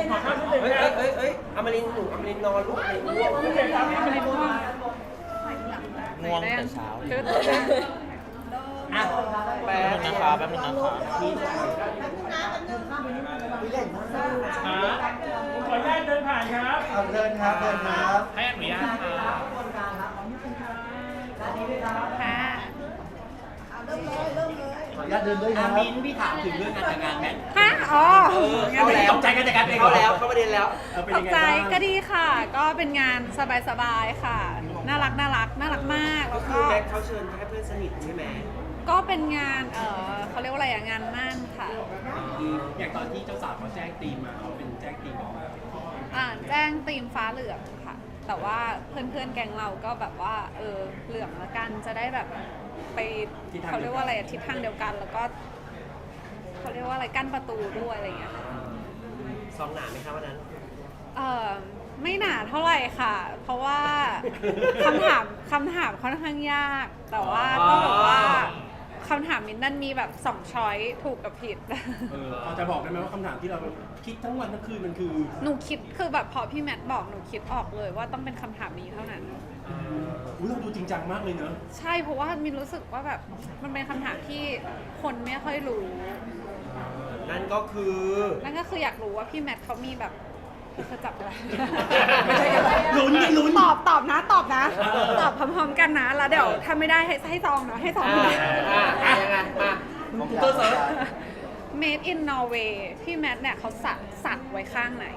ขอข้าวนิดนึงเฮ้ยนะเฮ้ยอมรินทร์หนูอมรินทร์นอนลูกอมรินทร์ง่วงโอเคครับไม่ได้พูดง่วงแต่เช้าตื่นอ่ะแป๊แป๊บบนึงนะครับแป๊บนึงนะครับขออนุญาตเดินผ่านครับเดินครับเดินครับให้อนุญาตครับค่ะขออนุญาตเดินด้วยครับมิ้นพี่ถามถึงเรื่องการแต่งงานแมทฮะอ๋อเข้าแล้วตกใจกันจากการเองเข้าแล้วเข้าประเด็นแล้วเป็นตยักงไงใจบ้างก็ดีค่ะ ก็เป็นงานสบายๆค่ะ น่ารักมากก็แล้วคืก็อแม็กเขาเชิญแค่เพื่อนสนิทใช่ไหมก็เป็นงานเขาเรียกว่าอะไรอะงานมั่นค่ะอย่างตอนที่เจ้าสาวเขาแจ้งตีมมาเขาเป็นแจ้งตีมออกมาแจ้งธีมฟ้าเหลืองค่ะ แต่ว่าเพื่อนๆแก๊งเราก็แบบว่าเหลืองละกันจะได้แบบไปเขาเรียกว่าอะไรอะทิศทางเดียวกัน แล้วก็เขาเรียกว่าอะไรกั้นประตูด้วยอะไรอย่างเงี้ยค่ะซองหนาไหมครับวันนั้นไม่หนาเท่าไหร่ค่ะ เพราะว่าคำถามค่อนข้างยาก แต่ว่าต้องบอกว่าคำถามมินนั่นมีแบบ2ช้อยถูกกับผิดพอจะบอกได้ไหมว่าคำถามที่เราคิดทั้งวันทั้งคืนมันคือหนูคิดคือแบบพอพี่แมทบอกหนูคิดออกเลยว่าต้องเป็นคำถามนี้เท่านั้นอุ๊ยเราดูจริงจังมากเลยเนอะใช่เพราะว่ามินรู้สึกว่าแบบมันเป็นคำถามที่คนไม่ค่อยรู้นั่นก็คือนั่นก็คืออยากรู้ว่าพี่แมทเขามีแบบเธอจับอะไรไม่ใช่กันลุ้นดิลุ้นตอบนะตอบพร้อมๆกันนะแล้วเดี๋ยวถ้าไม่ได้ให้ซองนะให้ซองนะยังไงมากูเตอร์เซิร์ฟ Made in Norway พี่แมทเนี่ยเขาสักไว้ข้างไหน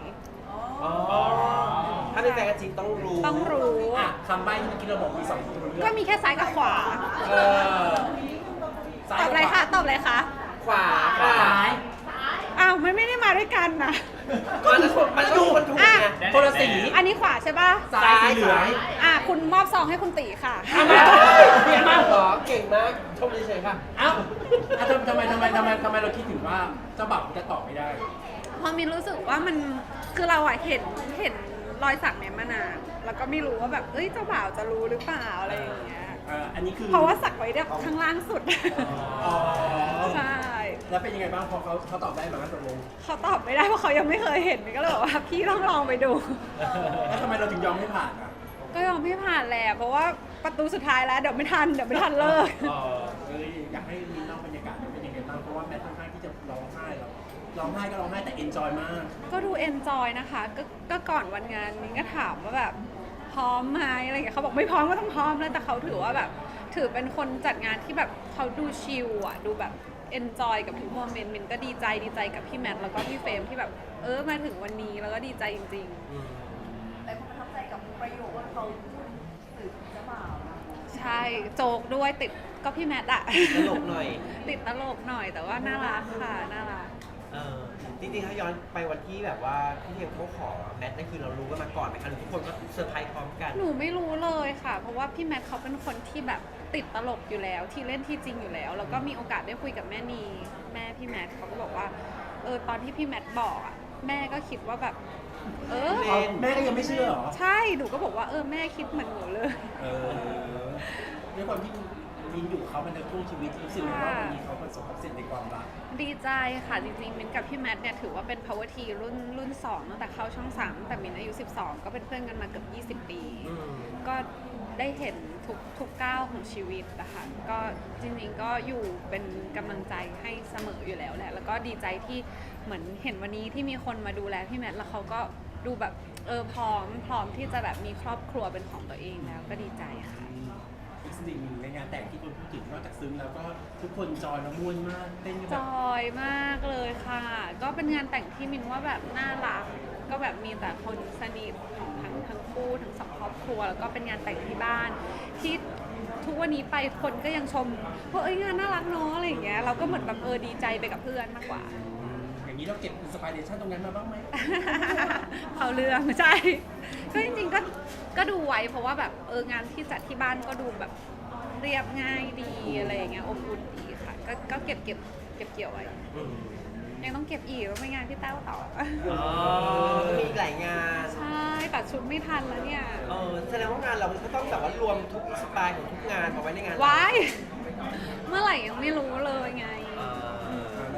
ถ้าเป็นแฟนกันจริงต้องรู้ต้องรู้อ่ะคำใบ้ที่เมื่อกี้เราบอกมี2ตัวเลืก็อกมีแค่ซ้ายกับขวาเออตอบอะไรคะตอบอะไรคะขวาซ้ายอ้าวไม่ได้มาด้วยกันนะมันถูกไงคนละสีอันนี้ขวาใช่ป่ะซ้ายสีเหลืองคุณมอบซองให้คุณตีค่ะเก่งมากหรอเก่งมากชมเฉยๆค่ะเอ้าทำไมเราคิดถึงว่าเจ้าบ่าวจะตอบไม่ได้พอมินรู้สึกว่ามันคือเราอะเห็นรอยสักเนี่ยมานานแล้วก็ไม่รู้ว่าแบบเจ้าบ่าวจะรู้หรือเปล่าอะไรอย่างเงี้ยอันนี้คือเพราะว่าสักไว้แบบข้างล่างสุดอ๋อใช่แล้วเป็นยังไงบ้างพอเขาตอบได้ไหมตกลงเขาตอบไม่ได้เพราะเขายังไม่เคยเห็นมินก็เลยบอกว่าพี่ต้องลองไปดูแล้วทำไมเราถึงยอมให้ผ่านอ่ะก็ยอมไม่ผ่านแหละเพราะว่าประตูสุดท้ายแล้วเดี๋ยวไม่ทันเลิกอยากให้มีเล่าบรรยากาศเป็นยังไงบ้างเพราะว่าแมทค่อนข้างที่จะร้องไห้แล้วร้องไห้ก็ร้องไห้แต่เอนจอยมากก็ดูเอนจอยนะคะก็ก่อนวันงานมินก็ถามว่าแบบพร้อมไหมอะไรอย่างเงี้ยเขาบอกไม่พร้อมก็ต้องพร้อมแล้วแต่เขาถือว่าแบบถือเป็นคนจัดงานที่แบบเขาดูชิลอ่ะดูแบบเอนจอยกับทุกโมเมนต์มินก็ดีใจกับพี่แมทแล้วก็พี่เฟรมที่แบบมาถึงวันนี้แล้วก็ดีใจจริงๆแต่ประทับใจกับประโยคว่าเขาพูดถึงเจ้าบ่าวนะใช่โจกด้วยติดก็พี่แมทอะตลกหน่อยติดตลกหน่อยแต่ว่าน่ารักค่ะน่ารักจริงๆถ้าย้อนไปวันที่แบบว่าพี่เทียมเขาขอแมทนั่นคือเรารู้กันมาก่อนไหมคะหรือทุกคนก็เซอร์ไพรส์พร้อมกันหนูไม่รู้เลยค่ะ เพราะว่าพี่แมทเขาเป็นคนที่แบบติดตลกอยู่แล้ว ที่เล่นที่จริงอยู่แล้ว แล้วก็มีโอกาสได้คุยกับแม่นีแม่พี่แมทเขาก็บอกว่าตอนที่พี่แมทบอกอะแม่ก็คิดว่าแบบแม่ก็ยังไม่เชื่อเหรอใช่หนูก็บอกว่าแม่คิดเหมือนหนูเลยด้วยความที่มินอยู่เขามันในช่วงชีวิตรู้สึกว่าวันนี้เขาประสบความสำเร็จในความรักดีใจค่ะจริงๆมินกับพี่แมทเนี่ยถือว่าเป็น power T รุ่น2ตั้งแต่เข้าช่อง3แต่มินอายุ12ก็เป็นเพื่อนกันมาเกือบ20 ปี ก็ได้เห็นทุกก้าวของชีวิตนะคะก็จริงๆก็อยู่เป็นกำลังใจให้เสมออยู่แล้วแหละแล้วก็ดีใจที่เหมือนเห็นวันนี้ที่มีคนมาดูแลพี่แมทแล้วเขาก็ดูแบบพร้อมที่จะแบบมีครอบครัวเป็นของตัวเองแล้วก็ดีใจค่ะอีกสิ่งหนึ่งในงานแต่งที่คนพูดถึงนอกจากซึ้งแล้วก็ทุกคนจอยและม่วนมากเต้นกันจแบบอยมากเลยค่ะ ก็เป็นงานแต่งที่มินว่าแบบน่ารัก ก็แบบมีแต่คนสนิทของทั้งคู่ทั้งสองครอบครัว แล้วก็เป็นงานแต่งที่บ้าน ที่ทุกวันนี้ไปคนก็ยังชมว่างานน่ารักเนาะอะไรอย่างเงี้ยเราก็เหมือนแบบดีใจไปกับเพื่อนมากกว่าอย่างนี้เราเก็บอินสปิเรชันตรงนั้นมาบ้างไหมเขาเรื่องใช่ก็จริงๆก็ดูไว้เพราะว่าแบบงานที่จัดที่บ้านก็ดูแบบเรียบง่ายดีอะไรอย่างเงี้ยอบอุ่นดีค่ะก็เก็บเกี่ยวไว้ยังต้องเก็บอีกว่าไปงานพี่แต้วต่อมีอีกหลายงานใช่ตัดชุดไม่ทันแล้วเนี่ยแสดงว่างานเราก็ต้องแบบว่ารวมทุกอินสไตล์ของทุกงานมาไว้ในงานว้ายเมื่อไหร่ยังไม่รู้เลยไงแล้ว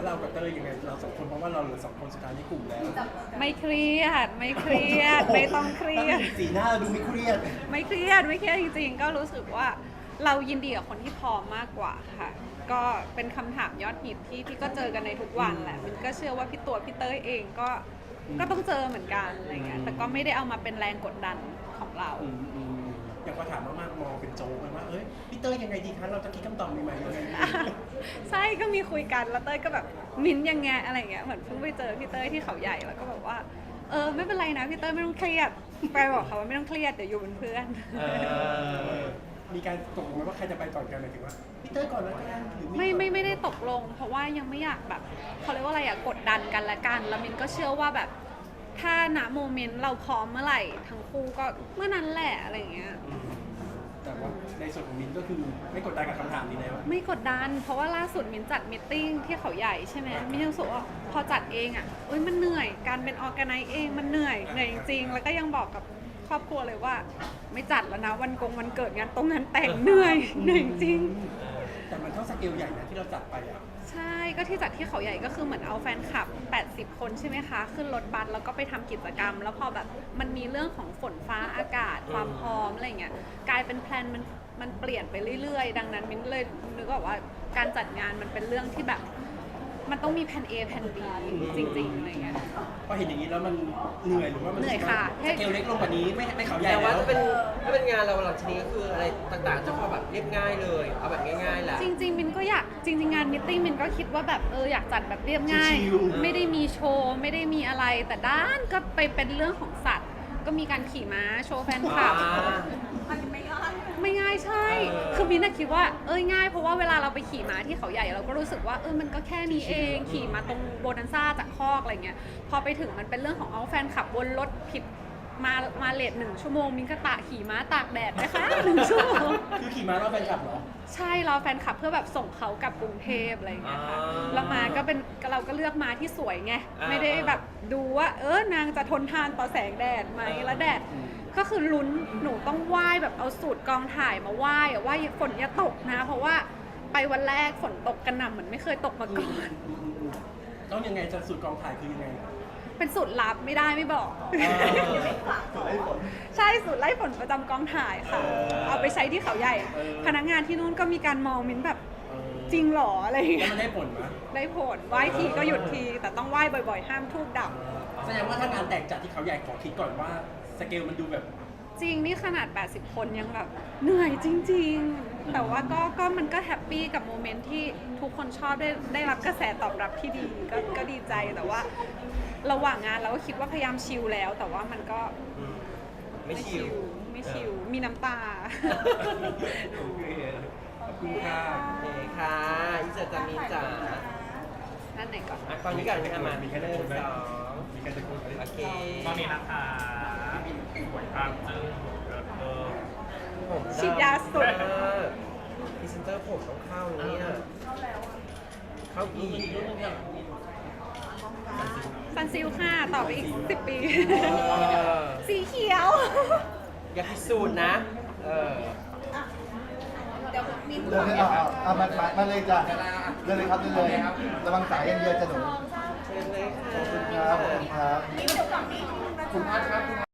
แล้วเรากับเต้ยยังไงเราสองคนเพราะว่าเราเหลือสองคนสุดท้ายในกลุ่มแล้วไม่เครียดไม่เครียดไม่ต้องเครียดสีหน้าเราดูไม่เครียดไม่เครียดไม่เครียดจริงๆ ก็รู้สึกว่าเรายินดีกับคนที่พร้อมมากกว่าค่ะ ก็เป็นคำถามยอดฮิตที่พี่ก็เจอกันในทุกวันแหละมันก็เชื่อว่าพี่ตัวพี่เต้ยเองก็ต้องเจอเหมือนกันอะไรเงี้ยแต่ก็ไม่ได้เอามาเป็นแรงกดดันของเราอย่างพอถามมากๆมองเป็นโจ๊กเลยว่าเอ้ยพี่เต้ยยังไงดีคะเราจะคิดคำตอบใหม่ๆยังไงดีใช่ก็มีคุยกันแล้วเต้ยก็แบบมิ้นท์ยังไงอะไรเงี้ยเหมือนเพิ่งไปเจอพี่เต้ยที่เขาใหญ่แล้วก็แบบว่าไม่เป็นไรนะพี่เต้ยไม่ต้องเครียดไปบอกเขาว่าไม่ต้องเครียดเดี๋ยวอยู่เป็นเพื่อนมีการตกลงไหมว่าใครจะไปก่อนกันหมายถึงว่าพี่เต้ยก่อนแล้วกันหรือไม่ได้ตกลง เพราะว่ายังไม่อยากแบบเขาเรียกว่าอะไรอะกดดันกันละกันแล้วมินก็เชื่อว่าแบบถ้าณโมเมนต์เราพร้อมเมื่อไหร่ทั้งคู่ก็เมื่อนั้นแหละอะไรอย่างเงี้ยแต่ว่าในส่วนของมินก็คือไม่กดดันกับคำถามนี้แล้วไม่กดดัน เพราะว่าล่าสุดมินจัดมิทติ้งที่เขาใหญ่ใช่ไหมมินยังรู้สึกว่าพอจัดเองอะมันเหนื่อยการเป็นออร์แกไนซ์เองมันเหนื่อยจริงๆแล้วก็ยังบอกกับครอบครัวเลยว่าไม่จัดแล้วนะวันเกิดงานตรงนั้นแต่งเหนื่อยจริงแต่มันเท่าสเกลใหญ่นะที่เราจัดไปอ่ะใช่ก็ที่จัดที่เขาใหญ่ก็คือเหมือนเอาแฟนคลับ 80 คนใช่ไหมคะ ขึ้นรถบัสแล้วก็ไปทำกิจกรรม แล้วพอแบบมันมีเรื่องของฝนฟ้าอากาศความพร้อมอะไรเงี้ยกลายเป็นแพลนมันเปลี่ยนไปเรื่อยๆ ดังนั้นมินเลยนึกออกว่าการจัดงานมันเป็นเรื่องที่แบบ มันต้องมีแผน A แผน B จริงๆอะไรเงี้ยพอเห็นอย่างนี้แล้วมันเหนื่อยหรือว่ามันเหนื่อยค่ะสเกลเล็กลงกว่านี้ไม่เขาใหญ่แต่ว่าแล้วถ้าเป็นงานเราหลังจากนี้ก็คืออะไรต่างๆ จะพอแบบเรียบง่ายเลย เอาแบบง่ายๆแหละจริงๆมินก็อยากจริงๆงานมิทติ้งมินก็คิดว่าแบบอยากจัดแบบเรียบง่าย ไม่ได้มีโชว์ไม่ได้มีอะไรแต่ด้านก็ไปเป็นเรื่องของสัตว์ ก็มีการขี่ม้าโชว์แฟนคลับมันไม่ง่ายไม่ง่ายใช่ คือมินคิดว่าง่ายเพราะว่าเวลาเราไปขี่ม้าที่เขาใหญ่เราก็รู้สึกว่ามันก็แค่นี้เองขี่มาตรงโบนันซ่าจากคอกอะไรเงี้ยพอไปถึงมันเป็นเรื่องของเอาแฟนขับวนรถผิดมาเลท1 ชั่วโมงมินก็ขี่ม้าตากแดดนะคะ1 ชั่วโมงคือขี่ม้ารอบแฟนคลับเหรอใช่เราแฟนคลับเพื่อแบบส่งเขากลับกรุงเทพอะไรอย่างเงี้ยค่ะอ่าเรามาก็เป็นเราก็เลือกมาที่สวยไงอ่าไม่ได้แบบดูว่านางจะทนทานต่อแสงแดดไหมแล้วแดดก็คือลุ้นหนูต้องไหว้แบบเอาสูตรกองถ่ายมาไหว้อะว่าฝนอย่าตกนะ เพราะว่าไปวันแรกฝนตกกระหน่ำเหมือนไม่เคยตกมาก่อนต้องยังไงจะสูตรกองถ่ายคือยังไงเป็นสูตรลับไม่ได้ไม่บอก ใช่สูตรไล่ฝนประจำกองถ่ายค่ะ เอาไปใช้ที่เขาใหญ่ พนักงานที่นู่นก็มีการมองมิ้นแบบจริงเหรออะไรอย่างแล้วเงี้ยมันได้ผลไหมได้ผลไหว้ทีก็หยุดที แต่ต้องไหว้บ่อยๆ ห้ามทูบดับแสดงว่าถ้างานแต่งจัดที่เขาใหญ่ขอคิดก่อนว่าสเกลมันดูแบบจริงนี่ขนาด 80 คนยังแบบเหนื่อยจริง ๆ แต่ว่าก็มันก็แฮปปี้กับโมเมนต์ที่ทุกคนชอบได้รับกระแสตอบรับที่ดีก็ดีใจแต่ว่าระหว่างงานเราก็คิดว่าพยายามชิลแล้ว แต่ว่ามันก็ไม่ชิวไม่ชิลมีน้ำตาโอเคขอบคุณค่ะโอเคค่ะอิสระจามีจ๋านั่นไหนก่อนตอนนี้ก่อนนะคะมามีแค่1 2 มีการตะโกนไหมโอเคตอนนี้นะคะสวยครับจึ้งเออผมฉีดยาสุดพรีเซนเตอร์ผมต้องเข้าเนี่ยเข้าอีกซันซิลค่ะ ต่อไปอีก 10 ปีเออสีเขียวอย่าพิสูจน์นะเดี๋ยวมีเดินเลยเอามาเลยจ้ะเดินเลยครับเดินเลยระวังสายอย่างเดียวจะหนูเชิญเลยค่ะขอบคุณครับขอบคุณครับมีเดี๋ยวก่อนนี้